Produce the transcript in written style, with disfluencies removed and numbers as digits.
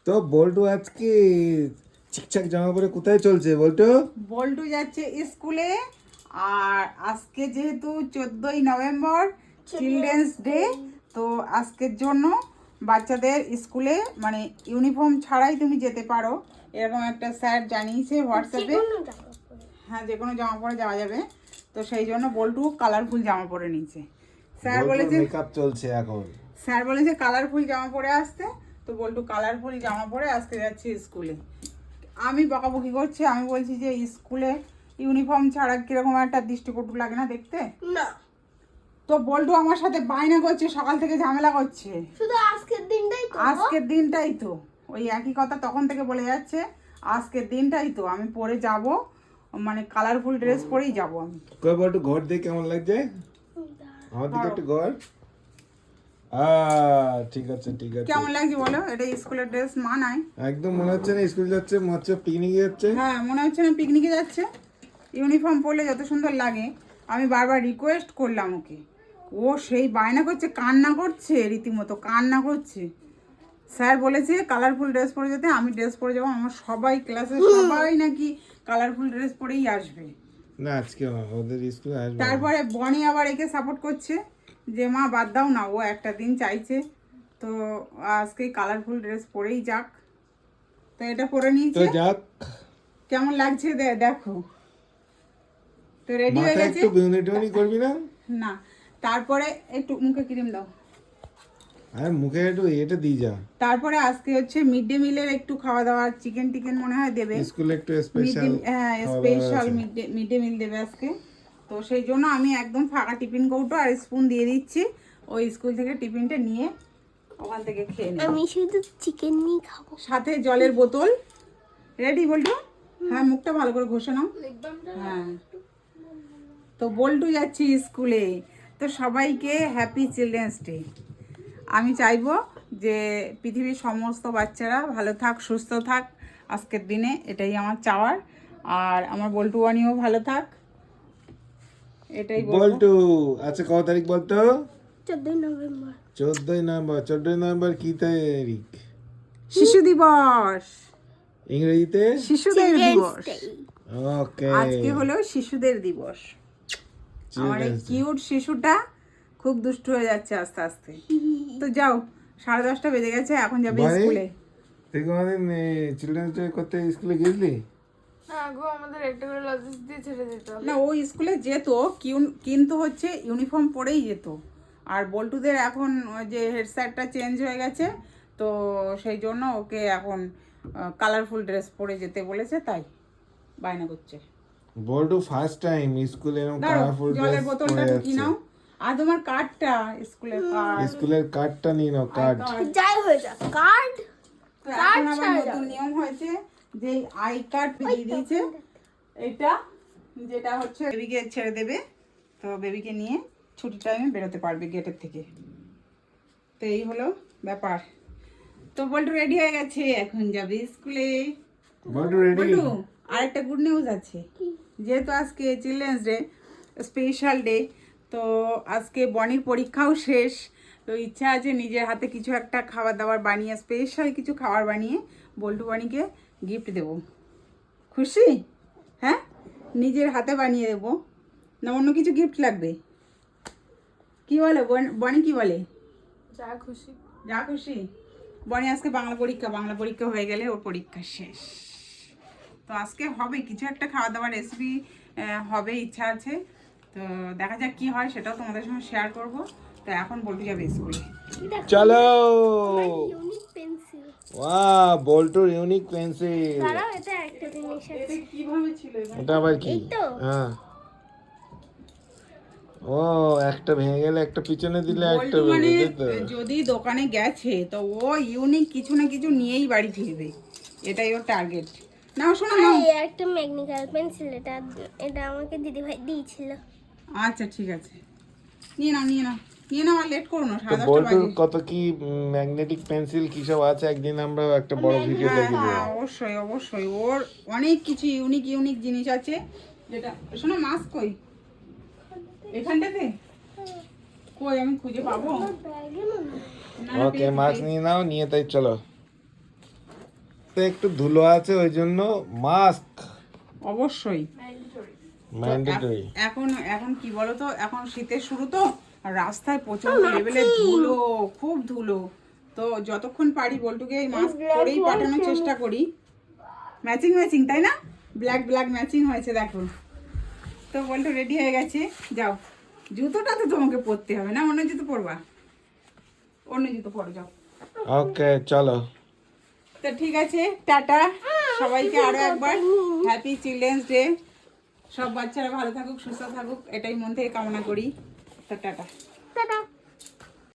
তো বল্টু আজকে ঠিকঠাক জামা পরে কোথায় চলছে বল্টু? বল্টু যাচ্ছে স্কুলে। আর আজকে যেহেতু 14ই নভেম্বর চিলড্রেন্স ডে, তো আজকের জন্য বাচ্চাদের স্কুলে মানে ইউনিফর্ম ছাড়াই তুমি যেতে পারো, এরকম একটা স্যার জানিয়েছে হোয়াটসঅ্যাপে। হ্যাঁ, যে কোনো জামা পরে যাওয়া যাবে। তো সেই জন্য বল্টু কালারফুল জামা পরে নিয়েছে। স্যার বলেছে মেকআপ চলছে এখন। স্যার বলেছে কালারফুল জামা পরে আসতে, তো বল্টু কালারফুল জামা পরে আজকে যাচ্ছে স্কুলে। আমি বকাবকি করছি, আমি বলছি যে স্কুলে ইউনিফর্ম ছাড়া কিরকম একটা দৃষ্টিকটু লাগে না দেখতে না, তো বল্টু আমার সাথে বায়না করছে, সকাল থেকে ঝামেলা করছে। শুধু আজকের দিনটাই তো। আজকের দিনটাই তো ওই একই কথা তখন থেকে বলে যাচ্ছে, আজকের দিনটাই তো আমি পরে যাব, মানে কালারফুল ড্রেস পরেই যাব আমি। কই বল্টু ঘর দেখে কেমন লাগছে? আমার দিকে একটু ঘর। ঠিক আছে ঠিক আছে। কেমন লাগছে বলো? এটা স্কুলের ড্রেস মানায়? একদম মনে হচ্ছে না স্কুল যাচ্ছে, মনে হচ্ছে পিকনিকে যাচ্ছে। হ্যাঁ, মনে হচ্ছে না পিকনিকে যাচ্ছে। ইউনিফর্ম পরলে যত সুন্দর লাগে। আমি বারবার রিকোয়েস্ট করলাম ওকে, ও সেই বায়না করছে, কান্না করছে, রীতিমতো কান্না করছে। স্যার বলেছে কালারফুল ড্রেস পরে যেতে, আমি ড্রেস পরে যাবো। আমার সবাই ক্লাসের সবাই নাকি কালারফুল ড্রেস পরেই আসবে। না আজকে ওদের স্কুলে আসবে। তারপরে বনি আবার একে সাপোর্ট করছে যে মা বাদ দাও না, ও একটা দিন চাইছে, তো আজকে কালারফুল ড্রেস পরেই যাক। তো এটা পরে তো নিয়েছে, যাক, কেমন লাগছে দেখো। তো রেডি হয়ে মাথায় গেছে। একটু বিউনি করবি না? না, তারপরে একটু মুখে ক্রিম দাও। আর মুখে একটু এটা দিয়ে যা। তারপরে আজকে হচ্ছে মিড ডে মিলের একটু খাওয়া দাওয়া, চিকেন টিকেন মনে হয় দেবে। স্কুলে একটু স্পেশাল, হ্যাঁ, স্পেশাল মিড ডে মিল দেবে আজকে। তো সেই জন্য আমি একদম ফাঁকা টিফিন কৌটো আর স্পুন দিয়ে দিচ্ছি, ওই স্কুল থেকে টিফিনটা নিয়ে ওখান থেকে খেয়ে নেবে। আমি শুধু চিকেন নিয়ে খাবো। সাথে জলের বোতল রেডি বল্টু? হ্যাঁ, মুখটা ভালো করে ঘষে নাও। হ্যাঁ, তো বল্টু যাচ্ছি স্কুলে। তো সবাইকে হ্যাপি চিলড্রেন্স ডে। আমি চাইবো যে পৃথিবীর সমস্ত বাচ্চারা ভালো থাক, সুস্থ থাক আজকের দিনে, এটাই আমার চাওয়ার। আর আমার বল্টু বানিও ভালো থাক, এটাই বলবো। বল্টু আচ্ছা কত তারিখ বলতো? 14ই নভেম্বর। 14ই নভেম্বর। 14ই নভেম্বর কি তারিখ? শিশু দিবস, ইংরেজিতে শিশুদের দিবস। ওকে, আজকে হলো শিশুদের দিবস। আমার এই কিউট শিশুটা খুব দুষ্টু হয়ে যাচ্ছে আস্তে আস্তে। তো যাও, 10:30 বেজে গেছে, এখন যাবে বাড়ি? স্কুলে। তুই কোনোদিন চিলড্রেন্স ডে করতে স্কুলে গেছিলি? না গো, আমাদের একটা করে লজেস দিয়ে ছেড়ে দিত। না, ও স্কুলে যেত, কিন্তু হচ্ছে ইউনিফর্ম পরেই যেত। আর বল্টুদের এখন ওই যে হেড স্যারটা চেঞ্জ হয়ে গেছে, তো সেই জন্য ওকে এখন কালারফুল ড্রেস পরে যেতে বলেছে, তাই বায়না করছে। বল্টু ফার্স্ট টাইম স্কুলে এরকম দাঁড়াও, কালারফুল জলের ড্রেস বোতলটা পরে ঢুকি যাচ্ছে। নাও। আর তোমার কার্ডটা, স্কুলের কার্ড। স্কুলের কার্ডটা নিয়ে নাও, কার্ড। যাই হয়ে যাক, কার্ড তো এখন আবার নতুন নিয়ম হয়েছে যে আই কার্ড দিয়ে দিয়েছে, এটা যেটা হচ্ছে বেবিকে ছেড়ে দেবে, তো বেবিকে নিয়ে ছুটির টাইমে বেরোতে পারবে গেটের থেকে। তো এই হলো ব্যাপার। তো বল্টু রেডি হয়ে গেছে, এখন যাবে স্কুলে। বল্টু রেডি? বল্টু, আরেকটা গুড নিউজ আছে। যেহেতু আজকে চিলড্রেন্স ডে, স্পেশাল ডে, তো আজকে বনির পরীক্ষাও শেষ। তো ইচ্ছা আছে নিজের হাতে কিছু একটা খাবার দাবার বানিয়ে, স্পেশাল কিছু খাবার বানিয়ে বল্টু বনিকে গিফট দেব। খুশি? হ্যাঁ, নিজের হাতে বানিয়ে দেবো, না অন্য কিছু গিফট লাগবে? কি বলে বনি, কি বলে? যা খুশি। যা খুশি। বনি আজকে বাংলা পরীক্ষা হয়ে গেলে ওর পরীক্ষা শেষ। তো আজকে হবে কিছু একটা খাওয়া দাওয়ার রেসিপি হবে, ইচ্ছা আছে। তো দেখা যাক কি হয়, সেটাও তোমাদের সঙ্গে শেয়ার করব। তো এখন বল্টু যাবে স্কুলে। চলো। Unique pencil. ওয়াও, বল্টুর ইউনিক পেন্সিল। দাঁড়াও, এটা একটা জিনিস আছে। এটা কিভাবে ছিল? এটা আবার কি? এই তো। হ্যাঁ, ও একটা ভেঙে গেলে একটা পিছনে দিলে একটা বল্টু মানে বেরোবে, তাই তো? যদি দোকানে গেছে তো ও ইউনিক কিছু না কিছু নিয়েই বাড়ি ফিরবে, এটাই ওর টার্গেট। নাও শোনো, নাও। এই একটা ম্যাগনিক্যাল পেন্সিল, এটা আমাকে দিদিভাই দিয়েছিল। আচ্ছা ঠিক আছে, নিয়ে নাও নিয়ে নাও নিয়ে নাও, আর লেট করো না, তো 10:30 বল্টুর বাজে। কত কি ম্যাগনেটিক পেন্সিল কি সব আছে, একদিন আমরা একটা বড় ভিডিও হ্যাঁ দেখে দেবো। হ্যাঁ, অবশ্যই অবশ্যই, ওর অনেক কিছু ইউনিক জিনিস আছে। যেটা শোনো, মাস্ক কই? এখানটাতে কই, আমি খুঁজে পাবো? ব্যাগে মনে হয়। না, না, ওকে, মাস্ক নিয়ে নাও, নিয়ে তাই চলো। হাতে একটু ধুলো আছে ওই জন্য মাস্ক অবশ্যই। ম্যান্ডেটরি। এখন এখন কি বলতো, এখন শীতের শুরু তো, আর রাস্তায় প্রচন্ড লেভেলে ধুলো, খুব ধুলো। তো যতক্ষণ পারি বল্টুকে এই মাস্ক পরেই পাঠানোর চেষ্টা করি। ম্যাচিং ম্যাচিং, তাই না? ব্ল্যাক ব্ল্যাক ম্যাচিং হয়েছে দেখো। তো বল্টু রেডি হয়ে গেছে, যাও। জুতোটা তো তোমাকে পরতে হবে না, অন্য জুতো পরবা? অন্য জুতো পরো, যাও। ওকে চলো। তো ঠিক আছে, টাটা সবাইকে আরো একবার হ্যাপি চিলড্রেন্স ডে। সব বাচ্চারা ভালো থাকুক, সুস্থ থাকুক, এটাই মন থেকে কামনা করি। তো টাটা।